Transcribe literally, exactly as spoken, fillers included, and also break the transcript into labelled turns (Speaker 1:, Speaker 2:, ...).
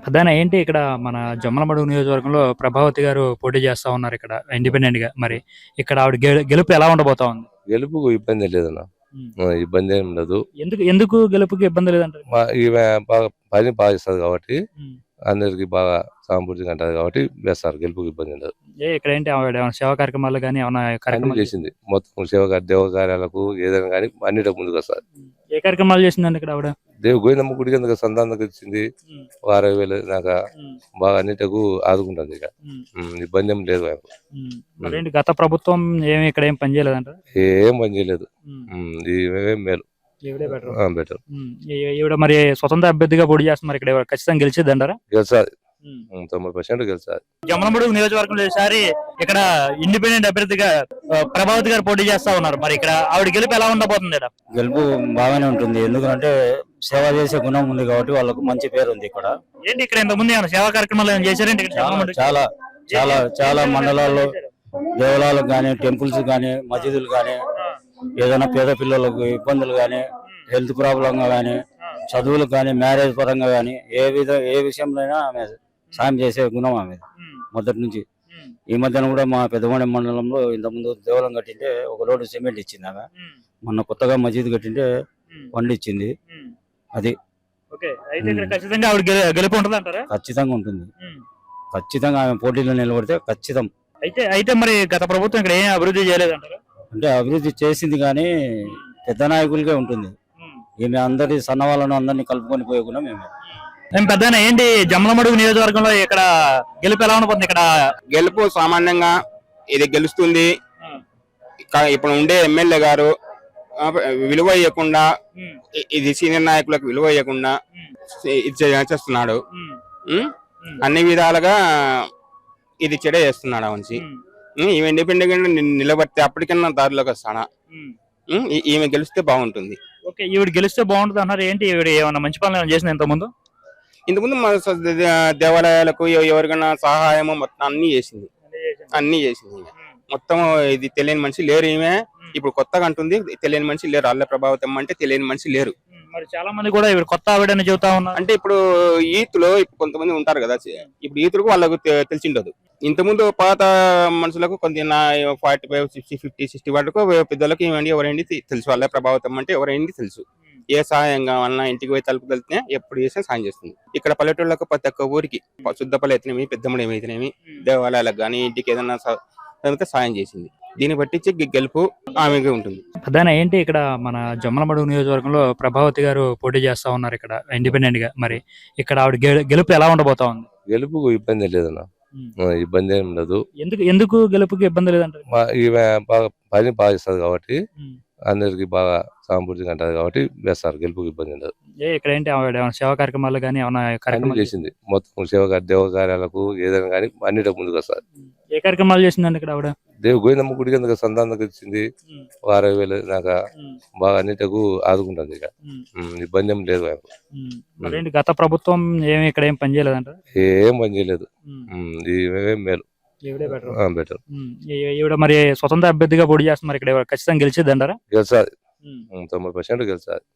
Speaker 1: ప్రధాన ఏంటి ఇక్కడ మన జమ్మలమడుగు నియోజకవర్గంలో ప్రభావతి గారు పోటీ చేస్తా ఉన్నారు ఇక్కడ ఇండిపెండెంట్ గా. మరి ఇక్కడ ఆవిడ గె- గెలుపు ఎలా ఉండబోతా ఉంది?
Speaker 2: గెలుపుకు ఇబ్బంది లేదన్న.
Speaker 1: ఉమ్.
Speaker 2: ఆ, ఇబ్బంది ఏం లేదు.
Speaker 1: ఎందుకు ఎందుకు గెలుపుకి ఇబ్బంది లేదంటారు?
Speaker 2: మా ఈమె బాగా పని బాగా ఇస్తుంది కాబట్టి
Speaker 1: ఉమ్.
Speaker 2: అందరికి బాగా సాంపూర్తిగా అంటది కాబట్టి వేస్తారు. గెలుపుకు ఇబ్బంది లేదు.
Speaker 1: ఏ ఇక్కడ ఏంటి ఆవిడ ఏమైనా సేవా కార్యక్రమాలు కానీ ఏమైనా
Speaker 2: అన్ని
Speaker 1: కార్యక్రమాలు
Speaker 2: చేసింది మొత్తం సేవ దేవ కార్యాలకు ఏదైనా కానీ అన్నిటికి ముందుకు వస్తారు.
Speaker 1: ఉమ్. ఏ కార్యక్రమాలు చేసిందండి ఇక్కడ ఆవిడ?
Speaker 2: దేవు గోవిందమ్మ గుడికి ఎందుకు సంతానం ఇచ్చింది.
Speaker 1: ఉమ్.
Speaker 2: ఒక అరవై వేలు దాకా
Speaker 1: ఉమ్.
Speaker 2: బాగా అన్నిటకు ఆదుకుంటుంది. ఇక
Speaker 1: ఉమ్.
Speaker 2: ఉమ్, ఇబ్బంది ఏం లేదు. ఆమెకు.
Speaker 1: ఉమ్. మరేంటి గత ప్రభుత్వం ఏమి ఇక్కడ ఏం పని చేయలేదంటారు?
Speaker 2: ఏం పని చేయలేదు.
Speaker 1: ఉమ్.
Speaker 2: ఉమ్, ఇవే మేలు.
Speaker 1: ఈవిడే బెటర్.
Speaker 2: బెటర్
Speaker 1: ఉమ్. ఈ- ఈవిడ మరి స్వతంత్ర అభ్యర్థిగా పోటీ చేస్తున్నారు ఇక్కడ ఎవరు ఖచ్చితంగా గెలిచిద్దంటారా?
Speaker 2: గెలిచాది.
Speaker 1: ఉమ్.
Speaker 2: ఉమ్, తొంభై పర్సెంట్ గెలిచాది.
Speaker 1: జమ్మలమడుగు నియోజకవర్గంలో ఈసారి ఇక్కడ ఇండిపెండెంట్ అభ్యర్థిగా ఆ, ప్రభావతి గారు పోటీ చేస్తా ఉన్నారు. మరి ఇక్కడ ఆవిడ గెలుపు ఎలా ఉండబోతుంది ఇక్కడ?
Speaker 3: గెలుపు బాగానే ఉంటుంది. ఎందుకంటే సేవ చేసే గుణం ఉంది కాబట్టి వాళ్ళకు మంచి పేరు ఉంది ఇక్కడ.
Speaker 1: ఏంటి ఇక్కడ ఇంత ముందు ఏమైనా సేవా కార్యక్రమాలు ఏమైనా చేశారంటే ఇక్కడ
Speaker 3: చాలా
Speaker 1: జమ్మలమడుగు?
Speaker 3: చాలా చాలా చాలా మండలాల్లో దేవాలయాలకు కానీ టెంపుల్స్ కానీ మసీదులు కానీ ఏదైనా పేద పిల్లలకు ఇబ్బందులు కానీ హెల్త్ ప్రాబ్లంగా కానీ చదువులకు కానీ మ్యారేజ్ పరంగా కానీ ఏ విధ ఏ విషయంలో అయినా ఆమె సాయం చేసే గుణం ఆమె
Speaker 1: ఉమ్.
Speaker 3: మొదటి నుంచి.
Speaker 1: ఉమ్.
Speaker 3: ఈ మధ్యన కూడా మా పెద్దమండి మండలంలో ఇంతకుముందు దేవాలయం కట్టింటే ఒక లోడు సిమెంట్ ఇచ్చింది ఆమె.
Speaker 1: ఉమ్.
Speaker 3: మొన్న కొత్తగా మసీదు కట్టింటే
Speaker 1: ఉమ్.
Speaker 3: పండు ఇచ్చింది.
Speaker 1: ఉమ్.
Speaker 3: అది
Speaker 1: ఓకే, అయితే ఇక్కడ ఖచ్చితంగా ఆవిడ గె- గెలుపు ఉంటుంది అంటారా?
Speaker 3: ఖచ్చితంగా ఉంటుంది.
Speaker 1: ఉమ్.
Speaker 3: ఖచ్చితంగా ఆమె పోటీలో నిలబడితే ఖచ్చితం.
Speaker 1: అయితే అయితే మరి గత ప్రభుత్వం ఇక్కడ ఏం అభివృద్ధి చేయలేదంటారా?
Speaker 3: అంటే అభివృద్ధి చేసింది కానీ పెద్ద నాయకులకే ఉంటుంది.
Speaker 1: ఉమ్.
Speaker 3: ఈమె అందరి సన్న వాళ్ళను అందరినీ కలుపుకొని పోయే గుణం ఏమే.
Speaker 1: ఏం పెద్దనా ఏంటి జమ్మలమడుగు నియోజకవర్గంలో ఇక్కడ గెలుపు ఎలా ఉండబోతుంది ఇక్కడ?
Speaker 4: గెలుపు సామాన్యంగా ఇది గెలుస్తుంది.
Speaker 1: ఉమ్.
Speaker 4: కా- ఇప్పుడు ఉండే ఎమ్మెల్యే గారు ఆ, విలువ ఇవ్వకుండా
Speaker 1: ఉమ్.
Speaker 4: ఇ- ఇది సీనియర్ నాయకులకు విలువ ఇవ్వకుండా
Speaker 1: ఉమ్.
Speaker 4: ఇది చే- చేస్తున్నాడు.
Speaker 1: ఉమ్.
Speaker 4: ఉమ్?
Speaker 1: ఉమ్.
Speaker 4: అన్ని విధాలుగా ఇది చెడ చేస్తున్నాడు అవన్నీ.
Speaker 1: ఉమ్.
Speaker 4: ఈమె ఇండిపెండెంట్ నిలబడితే అప్పటికన్నా దారిలోకి వస్తాడా.
Speaker 1: ఉమ్.
Speaker 4: ఉమ్? ఈ- ఈమె గెలిస్తే బాగుంటుంది.
Speaker 1: ఓకే, ఈవిడ గెలిస్తే బాగుంటుంది అన్నారు. ఏంటి ఈవిడ ఏమన్నా మంచి పనులు ఏమైనా చేసింది ఇంత ముందు?
Speaker 4: ఇంతకుముందు మన స- దే- దేవాలయాలకు ఎవ- ఎవరికైనా సహాయము మొత్తం అన్ని చేసింది. అన్ని చేసింది ఈమె. మొత్తం ఇది తెలియని మనిషి లేరు. ఈమె ఇప్పుడు కొత్తగా అంటుంది తెలియని మనిషి లేరు. అల్ల ప్రభావితం అంటే తెలియని మనిషి లేరు.
Speaker 1: ఉమ్. మరి చాలా మంది కూడా ఈవిడ కొత్త ఆవిడని చెబుతా ఉన్నారు.
Speaker 4: అంటే ఇప్పుడు ఈతులో ఇప్పుడు కొంతమంది ఉంటారు కదా. ఇప్పుడు ఈతులకు వాళ్ళకు తె- తెలిసిండదు. ఇంతకుముందు పాత మనుషులకు కొంత forty five sixty fifty sixty వరకు పెద్దలకు ఏమండి ఎవరైంది తె- తెలుసు. వాళ్ళ ప్రభావితం అంటే ఎవరైంది తెలుసు. ఏ సహాయం కావాలన్నా ఇంటికి పోయి తలుపు వెళ్తే ఎప్పుడు చేసినా సాయం చేస్తుంది. ఇక్కడ పల్లెటూళ్ళకు ప్రతి ఒక్క ఊరికి శుద్ధపల్లి అయితేనేమి పెద్దమ్మడు ఏమైతేనేమి దేవాలయాలకు కానీ ఇంటికి ఏదైనా స- అయితే సాయం చేసింది. దీన్ని బట్టించి గె- గెలుపు ఆమెగా ఉంటుంది.
Speaker 1: ప్రధాన ఏంటి ఇక్కడ మన జమ్మలమడుగు నియోజకవర్గంలో ప్రభావతి గారు పోటీ చేస్తా ఉన్నారు ఇక్కడ ఇండిపెండెంట్ గా. మరి ఇక్కడ ఆవిడ గె- గెలుపు ఎలా ఉండబోతా ఉంది?
Speaker 2: గెలుపుకు ఇబ్బంది లేదన్న.
Speaker 1: ఉమ్.
Speaker 2: ఆ, ఇబ్బంది ఏం లేదు.
Speaker 1: ఎందుకు ఎందుకు గెలుపుకి ఇబ్బంది లేదంటారు?
Speaker 2: మా ఈమె బాగా పని బాగా ఇస్తుంది కాబట్టి
Speaker 1: ఉమ్.
Speaker 2: అందరికి బాగా సాంపూర్తిగా అంటది కాబట్టి వేస్తారు. గెలుపుకు ఇబ్బంది లేదు.
Speaker 1: ఏ ఇక్కడ ఏంటి ఆవిడ ఏమైనా సేవా కార్యక్రమాలు కానీ ఏమైనా
Speaker 2: అన్ని
Speaker 1: కార్యక్రమాలు
Speaker 2: చేసింది మొత్తం సేవ దేవ కార్యాలకు ఏదైనా కానీ అన్నిటికి ముందుకు వస్తారు.
Speaker 1: ఉమ్. ఏ కార్యక్రమాలు చేసిందండి ఇక్కడ ఆవిడ?
Speaker 2: దేవు గోవిందమ్మ గుడికి ఎందుకు సంతానం ఇచ్చింది.
Speaker 1: ఉమ్.
Speaker 2: ఒక అరవై వేలు దాకా
Speaker 1: ఉమ్.
Speaker 2: బాగా అన్నిటికు ఆదుకుంటుంది. ఇక
Speaker 1: ఉమ్.
Speaker 2: ఉమ్, ఇబ్బంది ఏం లేదు. ఆమెకు.
Speaker 1: ఉమ్. మరేంటి గత ప్రభుత్వం ఏమి ఇక్కడ ఏం పని చేయలేదంటారు?
Speaker 2: ఏం పని చేయలేదు.
Speaker 1: ఉమ్.
Speaker 2: ఉమ్, ఇవే మేలు.
Speaker 1: ఈవిడే బెటర్.
Speaker 2: బెటర్.
Speaker 1: ఉమ్. ఈ- ఈవిడ మరి స్వతంత్ర అభ్యర్థిగా పోటీ చేస్తున్నారు ఇక్కడ ఎవరు ఖచ్చితంగా గెలిచిద్దంటారా?
Speaker 2: గెలిచాది.
Speaker 1: ఉమ్.
Speaker 2: తొంభై పర్సెంట్ గెలిచాది.